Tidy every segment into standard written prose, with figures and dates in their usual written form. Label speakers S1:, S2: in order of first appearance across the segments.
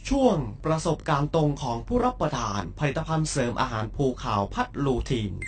S1: ช่วงประสบการณ์ตรงของผู้รับประทานผลิตภัณฑ์เสริมอาหารภูขาวพัดลูทีน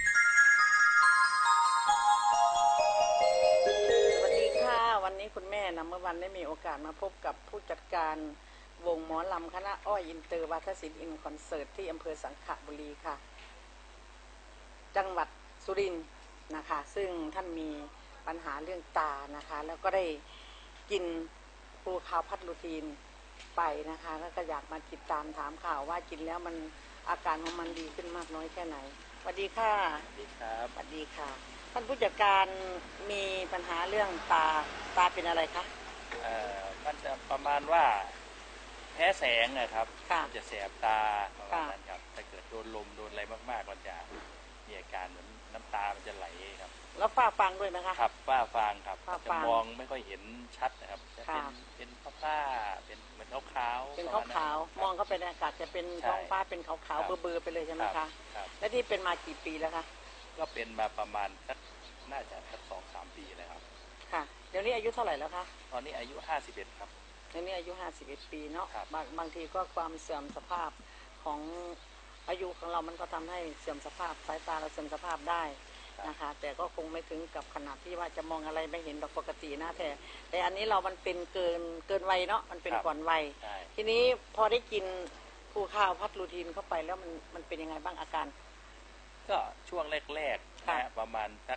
S2: สวัสดีค่ะวันนี้คุณแม่นะเมื่อวันได้มีโอกาสมาพบกับผู้จัดการวงหมอลำคณะอ้อยอินเตอร์วาทศิลป์อินคอนเสิร์ตที่อำเภอสังขบุรีค่ะจังหวัดสุรินทร์นะคะซึ่งท่านมีปัญหาเรื่องตานะคะแล้วก็ได้กินภูขาวพัดลูทีนไปนะคะแล้วก็อยากมาติดตามถามข่าวว่ากินแล้วมันอาการของมันดีขึ้นมากน้อยแค่ไหนสวัสดีค่ะ
S3: สวัสดีครับ
S2: สวัสดีค่ะท่านผู้จัดการมีปัญหาเรื่องตาเป็นอะไรคะ
S3: มันจะประมาณว่าแพ้แสงนะครับ
S2: มัน
S3: จะแสบตาประมาณนั้นครับถ้าเกิดโดนลมโดนอะไรมากๆมันจะมีอาการเหมือนน้ำตามันจะไหลครับ
S2: แล้วฝ้าฟางด้วยไหมคะ
S3: ครับฝ้าฟางครับจะมองไม่ค่อยเห็นชัดนะครับจะเป็นฝ้าเป็นเหมือนขาวๆ
S2: เป็นขาวๆมองเข้าไปในอากาศจะเป็นท้องฟ้าเป็นขาวๆเบลอๆไปเลยใช่ไหมคะและที่เป็นมากี่ปีแล้วคะ
S3: ก็เป็นมาประมาณสักน่าจะสัก2-3 ปีแล้วครับ
S2: ค่ะเดี๋ยวนี้อายุเท่าไหร่แล้วคะ
S3: ตอนนี้อายุ51ครับ
S2: เดี๋ยวนี้อายุ51 ปีเนาะบางทีก็ความเสื่อมสภาพของอายุของเรามันก็ทำให้เสื่อมสภาพสายตาเราเสื่อมสภาพได้นะคะแต่ก็คงไม่ถึงกับขนาดที่ว่าจะมองอะไรไม่เห็นดอกปกตินะแต่อันนี้เรามันเป็นเกินวัยเนาะมันเป็นก่อนวัยทีนี้พอได้กินภูข้าวพัดลูทีนเข้าไปแล้วมันเป็นยังไงบ้างอาการ
S3: ก็ช่วงแรกๆนะประมาณสัก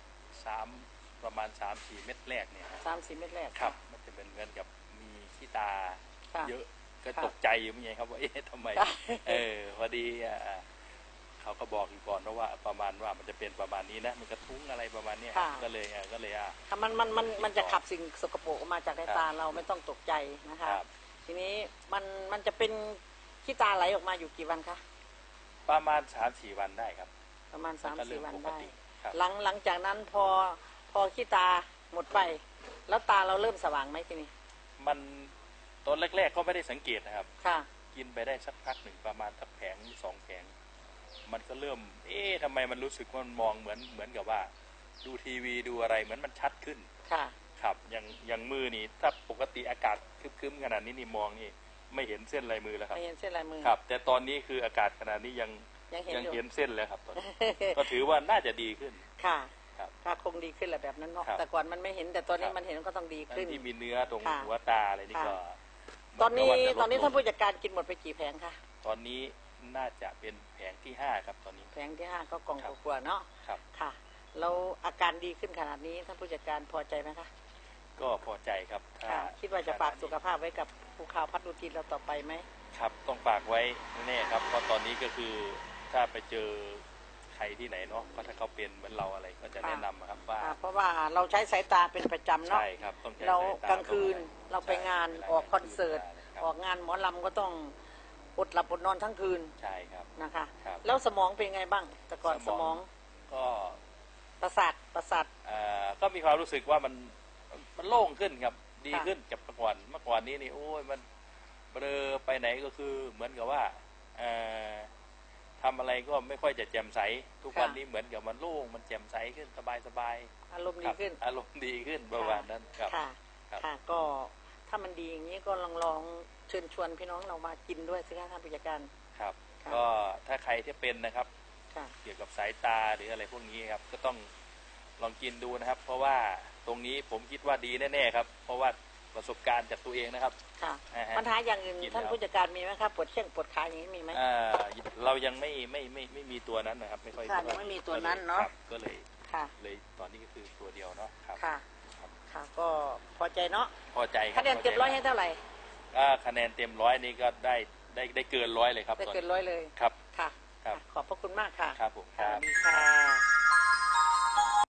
S3: 3-4 เม็ดแรกเนี่ย
S2: 3-4 เม็ดแรก
S3: ครับมันจะเป็นเหมือนกับมีขี้ตาเยอะก็ตกใจอยู่ไม่ไงครับว่าทำไมพอดีเขาก็บอกอยู่ก่อนว่าประมาณว่ามันจะเป็นประมาณนี้นะมันกระทุ้งอะไรประมาณนี้ก็เลย
S2: มันจะขับสิ่งสกปรกออกมาจากในตาเราไม่ต้องตกใจนะคะทีนี้มันจะเป็นขี้ตาไหลออกมาอยู่กี่วันคะ
S3: ประมาณ3-4 วันได้ครับ
S2: ประมาณ3-4 วันได้หลังจากนั้นพอขี้ตาหมดไปแล้วตาเราเริ่มสว่างไหมทีนี้
S3: มันตอนแรกๆก็ไม่ได้สังเกตนะครับ
S2: ค่ะ
S3: กินไปได้สักพักหนึ่งประมาณสักแผง2 แผงมันก็เริ่มทำไมมันรู้สึกว่ามันมองเหมือนกับว่าดูทีวีดูอะไรเหมือนมันชัดขึ้น
S2: ค่ะ
S3: ครับอย่างมือนี่ถ้าปกติอากาศครึ้มๆขนาดนี้นี่มองนี่ไม่เห็นเส้นลายมือแล้วครับ
S2: ไม่เห็นเส้นลายมือ
S3: ครับแต่ตอนนี้คืออากาศขนาดนี้ยังเห็นเส้นแล้วครับตอนนี้ก็ถือว่าน่าจะดีขึ้น
S2: ค่ะถ้าคงดีขึ้นแหละแบบนั้นเนาะแต่ก่อนมันไม่เห็นแต่ตอนนี้มันเห็นก็ต้องดีขึ้น
S3: ที่มีเนื้อตรงหัวตาอะไรนี่ก็
S2: ตอนนี้ท่านผู้จัดการกินหมดไปกี่แผงคะ
S3: ตอนนี้น่าจะเป็นแผงที่5ครับตอนนี้
S2: แผงที่5ก็กล่องกว่าเนาะ
S3: ครับ
S2: ค่ะแล้วอาการดีขึ้นขนาดนี้ท่านผู้จัดการพอใจไหมคะ
S3: ก็พอใจครับ
S2: คิดว่าจะฝากสุขภาพไว้กับภูข้าวพัดลูทีนเราต่อไปไหม
S3: ครับต้องฝากไว้แน่ครับเพราะตอนนี้ก็คือถ้าไปเจอใครที่ไหนเนาะก็ถ้าเขาเป็นเหมือนเราอะไรก็จะแนะนำครับว่า
S2: เพราะว่าเราใช้สายตาเป็นประจำเนาะ
S3: ใช่ครับต้องใช้
S2: เรากลางคืนเราไปงานออกคอนเสิร์ตออกงานหมอลำก็ต้องอดหลับอดนอนทั้งคืน
S3: ใช่ครับ
S2: นะคะแล้วสมองเป็นไงบ้างแต่ก่อนสมอง
S3: ก็
S2: ประสาท
S3: ก็มีความรู้สึกว่ามันโล่งขึ้นครับดีขึ้นจากเมื่อก่อนนี้นี่โอ้ยมันเบลอไปไหนก็คือเหมือนกับว่าทำอะไรก็ไม่ค่อยจะแจ่มใสทุกวันนี้เหมือนกับมันโล่งมันแจ่มใสขึ้นสบาย
S2: อารมณ์ดีขึ้น
S3: ประมาณนั้นครับ
S2: ค่ะก็ถ้ามันดีอย่างนี้ก็ลองเชิญชวนพี่น้องเรามากินด้วยสิคะท่านผู้จัดการ
S3: ครับก็ถ้าใครที่เป็นนะครับเกี่ยวกับสายตาหรืออะไรพวกนี้ครับก็ต้องลองกินดูนะครับเพราะว่าตรงนี้ผมคิดว่าดีแน่ๆครับเพราะว่าประสบการณ์จากตัวเองนะครับ
S2: ค่ะปัญหาอย่างอื่นท่านผู้จัดการมีไหมครับปวดเข่งปวดขาอย่างนี้มีไหม
S3: เรายังไม่มีตัวนั้นนะครับไม่ค่อย
S2: ยังไม่มีตัวนั้นเนาะ
S3: ก็เลยตอนนี้ก็คือตัวเดียวเนาะครับ
S2: ค่ะก็พอใจเนาะ
S3: พอใจ
S2: คะแนนเต็ม100ให้เท่าไหร่
S3: คะแนนเต็ม100นี่ก็ได้เกิน100เลยครับ
S2: ได้เกิน100เลย
S3: ครับ
S2: ค่ะขอบพระคุณมากค่ะ
S3: ครับผม
S2: สวัสดีค่ะ